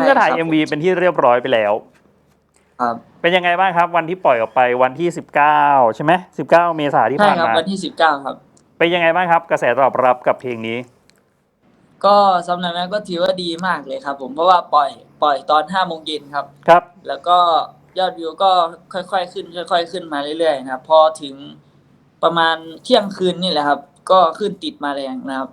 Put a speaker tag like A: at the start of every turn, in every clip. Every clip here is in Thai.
A: ก็ถ่าย MV เป็นที่เรียบร้อยไปแล้ว
B: ครับ
A: เป็นยังไงบ้างครับวันที่ปล่อยออกไปวันที่19ใช่ไหม19 เมษายนที่ผ่านมา
B: ใช่ครับวันที่19ครับ
A: เป็นยังไงบ้างครับกระแสตอบรับกับเพลงนี้
B: ก็สำหรับแม่ก็ถือว่าดีมากเลยครับผมเพราะว่าปล่อยตอน5 โมงเย็นครับ
A: ครับ
B: แล้วก็ยอดวิวก็ค่อยๆขึ้นค่อยๆขึ้นมาเรื่อยๆนะครับพอถึงประมาณเที่ยงคืนนี่แหละครับก็ขึ้นติดมาแรงนะครับ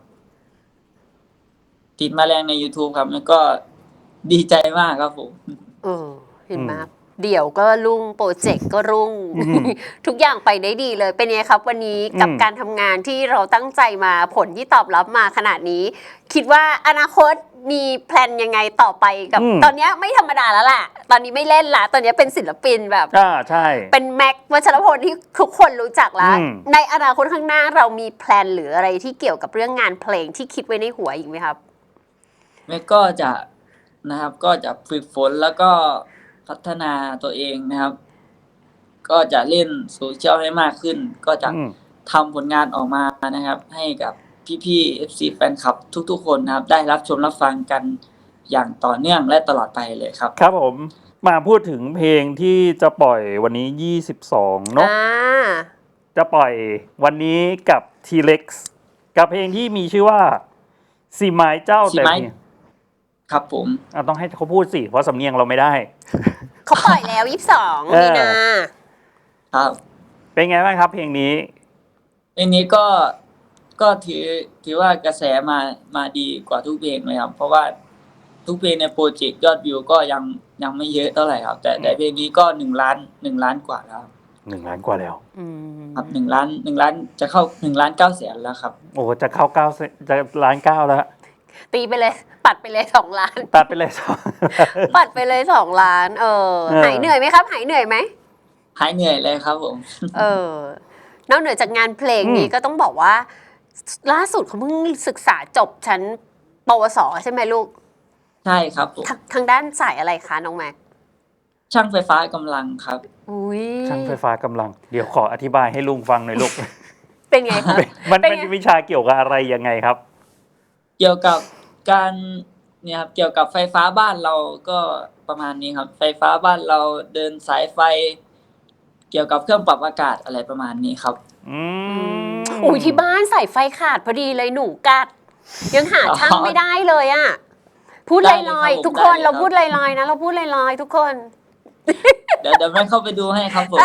B: ติดมาแรงใน YouTube ครับแล้วก็ดีใจมากครับผม
C: เห็นไหมเดี๋ยวก็รุ่งโปรเจกต์ก็รุ่งทุกอย่างไปได้ดีเลยเป็นไงครับวันนี้กับการทำงานที่เราตั้งใจมาผลที่ตอบรับมาขนาดนี้คิดว่าอนาคตมีแพลนยังไงต่อไปกับตอนนี้ไม่ธรรมดาแล้วแหละตอนนี้ไม่เล่นละตอนนี้เป็นศิลปินแบบ
A: ใช่
C: เป็นแม็กวัชรพลที่ทุกคนรู้จักแล้วในอนาคตข้างหน้าเรามีแพลนหรืออะไรที่เกี่ยวกับเรื่องงานเพลงที่คิดไว้ในหัวอีกไหมครับ
B: แม่ก็จะนะครับก็จะฝึกฝนแล้วก็พัฒนาตัวเองนะครับก็จะเล่นโซเชียลให้มากขึ้นก็จะทำผลงานออกมานะครับให้กับพี่ๆ FC แฟนคลับทุกๆคนนะครับได้รับชมรับฟังกันอย่างต่อเนื่องและตลอดไปเลยครับ
A: ครับผมมาพูดถึงเพลงที่จะปล่อยวันนี้22เนาะจะปล่อยวันนี้กับ T-Rex กับเพลงที่มีชื่อว่าสีไม้เจ้าแต่
B: ครับผม
A: ต้องให้เขาพูดสิเพราะสำเนียงเราไม่ได้
C: เขาปล่อยแล้ว22มีนา
B: ครับ
A: เป็นไงบ้างครับเพลงนี้
B: เพลงนี้ก็ถือว่ากระแสมาดีกว่าทุกเพลงเลยครับเพราะว่าทุกเพลงในโปรเจกต์ยอดวิวก็ยังไม่เยอะเท่าไหร่ครับแต่เพลงนี้ก็1 ล้านกว่าแล้ว
A: 1 ล้านกว่าแล้ว
B: ครับ1 ล้านจะเข้า1.9 แสนแล้วครับ
A: โอ้จะเข้า9จะ1.9 ล้านแล้ว
C: ตีไปเลยปัดไปเลย2 ล้าน
A: ตัดไปเลย
C: ปัดไปเลย2 ล้านหายเหนื่อยไหมครับหายเหนื่อยไหม
B: หายเหนื่อยเลยครับผม
C: นอกเหนือจากงานเพลงนี้ก็ต้องบอกว่าล่าสุดเขาเพิ่งศึกษาจบชั้นปวสใช่ไหมลูก
B: ใช่ครับผม
C: ทางด้านสายอะไรคะน้องแม็ก
B: ช่างไฟฟ้ากำลังครับ
A: ช่างไฟฟ้ากำลังเดี๋ยวขออธิบายให้ลุงฟังหน่อยลูก
C: เป็นไงครับ
A: มันเป็นวิชาเกี่ยวกับอะไรยังไงครับ
B: เกี่ยวกับการเนี่ยครับเกี่ยวกับไฟฟ้าบ้านเราก็ประมาณนี้ครับไฟฟ้าบ้านเราเดินสายไฟเกี่ยวกับเครื่องปรับอากาศอะไรประมาณนี้ครับ
C: อุ้ยที่บ้านสายไฟขาดพอดีเลยหนูกัดยังหาช่างไม่ได้เลยอ่ะพูดลอยๆทุกคนเราพูดลอยๆนะเราพูดลอยๆทุกคน
B: เดี๋ยวแม่เข้าไปดูให้ครับผม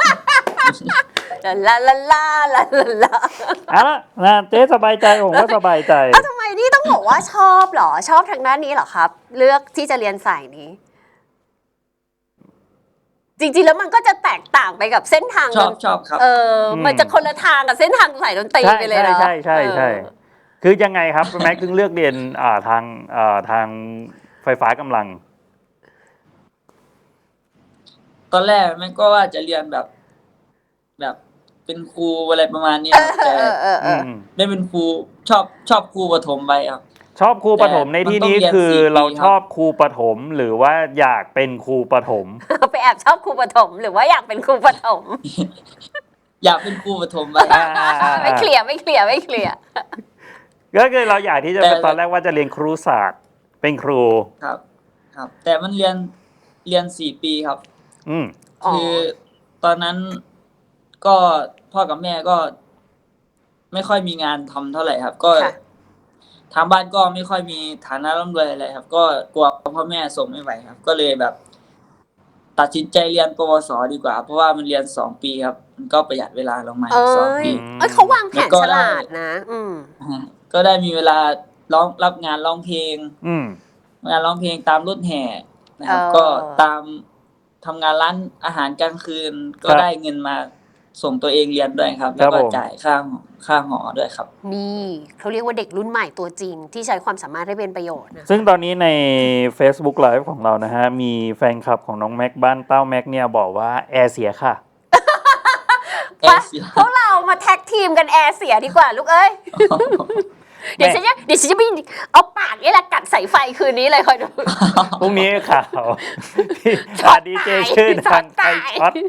C: ลาลาลาลาลา
A: นะเจ๊สบายใจผมก็สบายใจ
C: ทำไมนี่ต้องบอกว่าชอบเหรอชอบทางด้านนี้เหรอครับเลือกที่จะเรียนสายนี้จริงๆแล้วมันก็จะแตกต่างไปกับเส้นทาง
B: ชอบครับ
C: มันจะคนละทางกับเส้นทางสายดนตรีไปเลยเนาะ
A: ใช่คือยังไงครับแม็กซ์ถึงเลือกเรียนทางไฟฟ้ากำลัง
B: ตอนแรกแม่ก็ว่าจะเรียนแบบเป็นครูอะไรประมาณนี้แต่ได้เป็นครูชอบครูประถมไปครับ
A: ชอบครูประถมในที่นี้คือเราชอบครูประถมหรือว่าอยากเป็นครูประถม
C: ไปแอบชอบครูประถมหรือว่าอยากเป็นครูประถม
B: อยากเป็นครูประถมไป
C: ไม่เคลียร์
A: ก็คือเราอยากที่จะเป็นตอนแรกว่าจะเรียนครูศาสตร์เป็นครู
B: ครับแต่มันเรียน4 ปีครับคือตอนนั้นก็พ่อกับแม่ก็ไม่ค่อยมีงานทำเท่าไหร่ครับก็ทางบ้านก็ไม่ค่อยมีฐานะร่ำรวยอะไรครับก็กลัวพ่อแม่ส่งไม่ไหวครับก็เลยแบบตัดสินใจเรียนปวสดีกว่าเพราะว่ามันเรียน2 ปีครับมันก็ประหยัดเวลาลงมา2 ปี
C: เขาวางแผนฉลาดนะ
B: ก็ได้มีเวลารับงานร้องเพลงงานร้องเพลงตามรถแห่นะครับก็ตามทำงานร้านอาหารกลางคืนก็ได้เงินมาส่งตัวเองเรียนด้วยครับแล้วก็จ่ายค่าหอด้วยครับ
C: นี่เขาเรียกว่าเด็กรุ่นใหม่ตัวจริงที่ใช้ความสามารถให้เป็นประโยชน์นะ
A: ซึ่งตอนนี้ใน Facebook Live ของเรานะฮะมีแฟนคลับของน้องแม็กบ้านเต้าแม็กเนี่ยบอกว่าแอร์เสียค่ะ
C: พวกเรามาแท็กทีมกันแอร์เสียดีกว่าลูกเอ้ยเดี๋ยวฉันจะไปเอาปากนี่แหละกัดสายไฟคืนนี้เลยคอยดู
A: พรุ่งนี้ข่าวดีเจชื่อดังไฟช็อต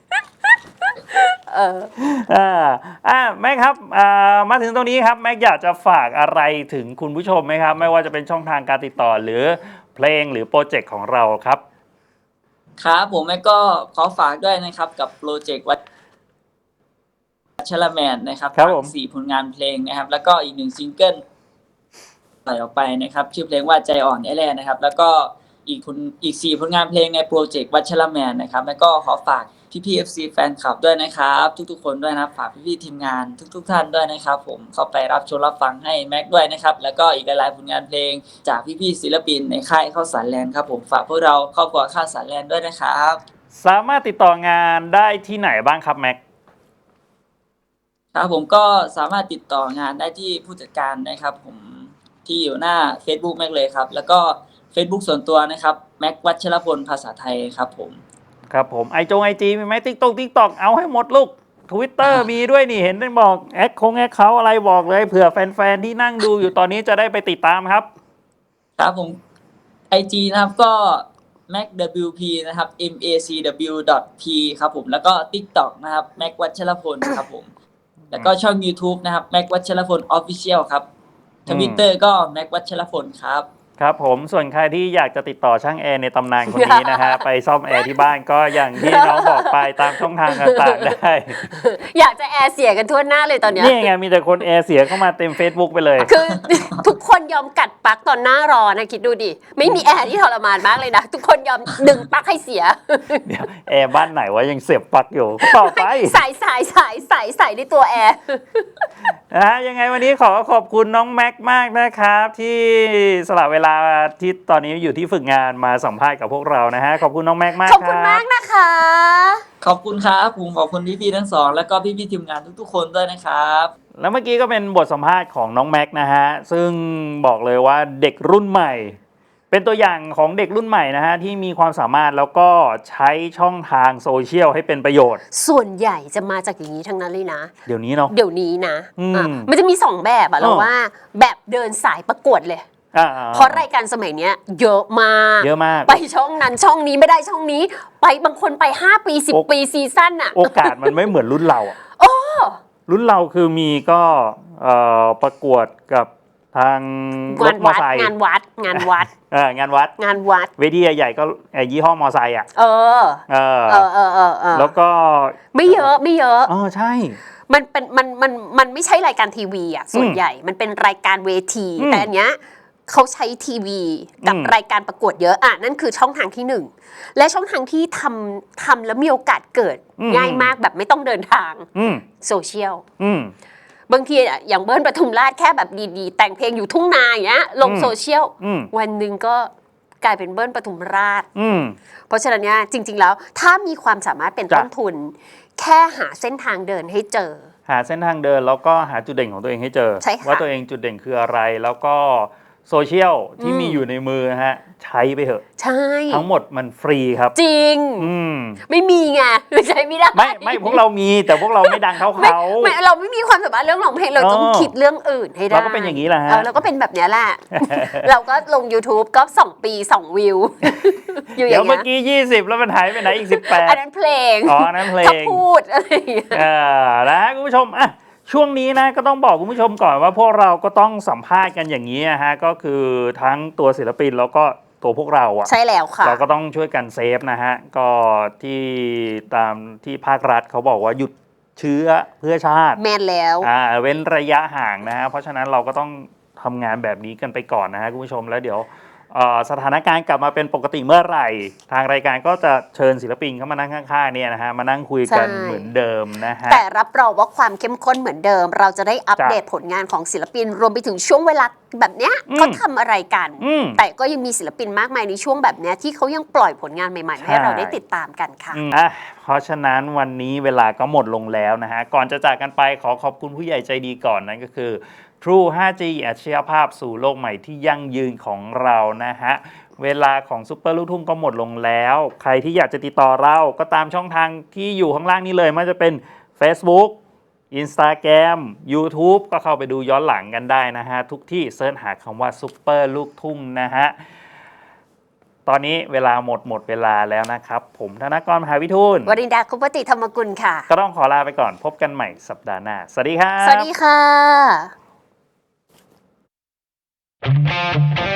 A: แม็กครับมาถึงตรงนี้ครับแม็กอยากจะฝากอะไรถึงคุณผู้ชมไหมครับไม่ว่าจะเป็นช่องทางการติดต่อหรือเพลงหรือโปรเจกต์ของเราครับ
B: ครับผมแม่ก็ขอฝากด้วยนะครับกับโปรเจกต์วัชรแมนนะครับ
A: ครับผม
B: 4 ผลงานเพลงนะครับแล้วก็อีก1 ซิงเกิลปล่อยออกไปนะครับชื่อเพลงว่าใจอ่อนแน่ๆนะครับแล้วก็อีก4 ผลงานเพลงในโปรเจกต์วัชรแมนนะครับแล้วก็ขอฝากพี่ๆ FC แฟนคลับด้วยนะครับทุกๆคนด้วยนะครับฝากพี่ๆทีมงานทุกท่านด้วยนะครับผมเข้าไปรับชมรับฟังให้แม็กด้วยนะครับแล้วก็อีกหลายๆผลงานเพลงจากพี่ๆศิลปินในค่ายข้าวสารแลนด์ครับผมฝากพวกเราครอบครัวข้าวสารแลนด์ด้วยนะครับ
A: สามารถติดต่องานได้ที่ไหนบ้างครับแม็ก
B: ครับผมก็สามารถติดต่องานได้ที่ผู้จัดการนะครับผมที่อยู่หน้า Facebook แม็กเลยครับแล้วก็ Facebook ส่วนตัวนะครับแม็กวัชรพลภาษาไทยครับผม
A: ครับผมไอจีมีไหมติ๊กต็อกเอาให้หมดลูก Twitter มีด้วยนี่เห็นได้บอกแอคเขาอะไรบอกเลยเผื่อแฟนๆที่นั่งดูอยู่ตอนนี้จะได้ไปติดตามครับ
B: ครับผม IG นะครับก็ macwp นะครับ macw.p ครับผมแล้วก็ TikTok นะครับแม็กวัชรพลครับผมแล้วก็ช่อง YouTube นะครับแม็กวัชรพล Official ครับ Twitter ก็แม็กวัชรพลครับ
A: ครับผมส่วนใครที่อยากจะติดต่อช่างแอร์ในตำนานคนนี้นะฮะ ไปซ่อมแอร์ที่บ้านก็อย่างที่น้องบอกไปตามช่องทางต่างๆได้
C: อยากจะแอร์เสียกันทั่วหน้าเลยตอนนี้
A: นี่ไงมีแต่คนแอร์เสียเข้ามาเต็ม Facebook ไปเลย
C: คือ ทุกคนยอมกัดปลั๊กตอนหน้าร้อนนะคิดดูดิไม่มีแอร์ที่ทรมานมากเลยนะทุกคนยอมดึงปลั๊กให้เสีย
A: เดี๋ยวแอร์บ้านไหนวะยังเสียบปลั๊กอยู่ต่อไป
C: ใส่ในตัวแอร์
A: นะฮะยังไงวันนี้ขอบคุณน้องแม็กมากนะครับที่สละเวลาที่ตอนนี้อยู่ที่ฝึกงานมาสัมภาษณ์กับพวกเรานะฮะขอบคุณน้องแม็กมาก
C: ขอบคุณมากนะคะ
B: ขอบคุณครับผมขอบคุณพี่ๆทั้งสองแล้วก็พี่ๆทีมงานทุกๆคนด้วยนะครับ
A: แล้วเมื่อกี้ก็เป็นบทสัมภาษณ์ของน้องแม็กนะฮะซึ่งบอกเลยว่าเด็กรุ่นใหม่เป็นตัวอย่างของเด็กรุ่นใหม่นะฮะที่มีความสามารถแล้วก็ใช้ช่องทางโซเชียลให้เป็นประโยชน์
C: ส่วนใหญ่จะมาจากอย่างนี้ทั้งนั้นเลยนะ
A: เดี๋ยวนี้เนาะ
C: นะมันจะมี2แบบอะเราว่าแบบเดินสายประกวดเลยเพราะรายการสมัยนี้เยอะมากไปช่องนั้นช่องนี้ไม่ได้ช่องนี้ไปบางคนไป5 ปี10 ปีซีซั่นอะ
A: โอกาสมันไม่เหมือนรุ่นเราอะรุ่นเราคือมีก็ประกวดกับทางรถมอไซค์
C: งานวัด
A: งานวัดเวทีใหญ่ๆก็ยี่ห้อมอไซค์อ่ะแล้วก็
C: ไม่เยอะ
A: ใช่
C: มันไม่ใช่รายการทีวีอ่ะส่วนใหญ่มันเป็นรายการเวทีแต่อันเนี้ยเขาใช้ทีวีกับรายการประกวดเยอะนั่นคือช่องทางที่1และช่องทางที่ทำแล้วมีโอกาสเกิดง่ายมากแบบไม่ต้องเดินทางโซเชียลบางทีอย่างเบิ้ลปทุมราชแค่แบบดีๆแต่งเพลงอยู่ทุ่งนาอย่างเงี้ยลงโซเชียลวันหนึ่งก็กลายเป็นเบิ้ลปทุมราชเพราะฉะนั้นเนี่ยจริงๆแล้วถ้ามีความสามารถเป็นต้นทุนแค่หาเส้นทางเดินให้เจอ
A: หาเส้นทางเดินแล้วก็หาจุดเด่นของตัวเองให้เจอว่าตัวเองจุดเด่นคืออะไรแล้วก็โซเชียลที่มีอยู่ในมือฮะใช้ไปเถอะ
C: ใช่
A: ทั้งหมดมันฟรีครับ
C: จริงไม่มีไงใช้ไม่ได้
A: ไม่พวกเรามีแต่พวกเราไม่ดังเท่าเขา
C: ไม่เราไม่มีความสามารถเรื่องร้องเพลงเราต้องคิดเรื่องอื่นให้ได้
A: เราก็เป็นอย่างนี้แหละฮะ
C: เราก็เป็นแบบนี้แหละเราก็ลง YouTube ก็2 ปี2 วิว
A: อยู่อย่างเงี้ยเมื่อกี้20แล้วมันหายไปไหนอีก18
C: อันนั้นเพลง
A: นั้นเพลง
C: พูดอะไร
A: นะคุณผู้ชมช่วงนี้นะก็ต้องบอกคุณผู้ชมก่อนว่าพวกเราก็ต้องสัมภาษณ์กันอย่างนี้ฮะก็คือทั้งตัวศิลปินแล้วก็ตัวพวกเรา
C: ใช่แล้วค่ะ
A: เราก็ต้องช่วยกันเซฟนะฮะก็ที่ตามที่ภาครัฐเขาบอกว่าหยุดเชื้อเพื่อชาติ
C: แม่นแล้ว
A: เว้นระยะห่างนะฮะเพราะฉะนั้นเราก็ต้องทำงานแบบนี้กันไปก่อนนะฮะคุณผู้ชมแล้วเดี๋ยวสถานการณ์กลับมาเป็นปกติเมื่อไหร่ทางรายการก็จะเชิญศิลปินเข้ามานั่งข้างๆเนี่ยนะฮะมานั่งคุยกันเหมือนเดิมนะฮะ
C: แต่รับรองว่าความเข้มข้นเหมือนเดิมเราจะได้อัปเดตผลงานของศิลปินรวมไปถึงช่วงเวลาแบบเนี้ยเขาทำอะไรกันแต่ก็ยังมีศิลปินมากมายในช่วงแบบเนี้ยที่เขายังปล่อยผลงานใหม่ๆให้เราได้ติดตามกันค่ะ
A: เพราะฉะนั้นวันนี้เวลาก็หมดลงแล้วนะฮะก่อนจะจากกันไปขอขอบคุณผู้ใหญ่ใจดีก่อนนั่นก็คือ True 5G อัจฉริยภาพสู่โลกใหม่ที่ยั่งยืนของเรานะฮะเวลาของซุปเปอร์ลูกทุ่งก็หมดลงแล้วใครที่อยากจะติดต่อเราก็ตามช่องทางที่อยู่ข้างล่างนี้เลยไม่ว่าจะเป็น Facebook Instagram YouTube ก็เข้าไปดูย้อนหลังกันได้นะฮะทุกที่เสิร์ชหาคำว่าซุปเปอร์ลูกทุ่งนะฮะตอนนี้เวลาหมดเวลาแล้วนะครับผมธนกร มหาวิทูล
C: วรินดา คุปติธรรมกุลค่ะ
A: ก็ต้องขอลาไปก่อนพบกันใหม่สัปดาห์หน้าสวัสดีครับ
C: สวัสดีค่ะ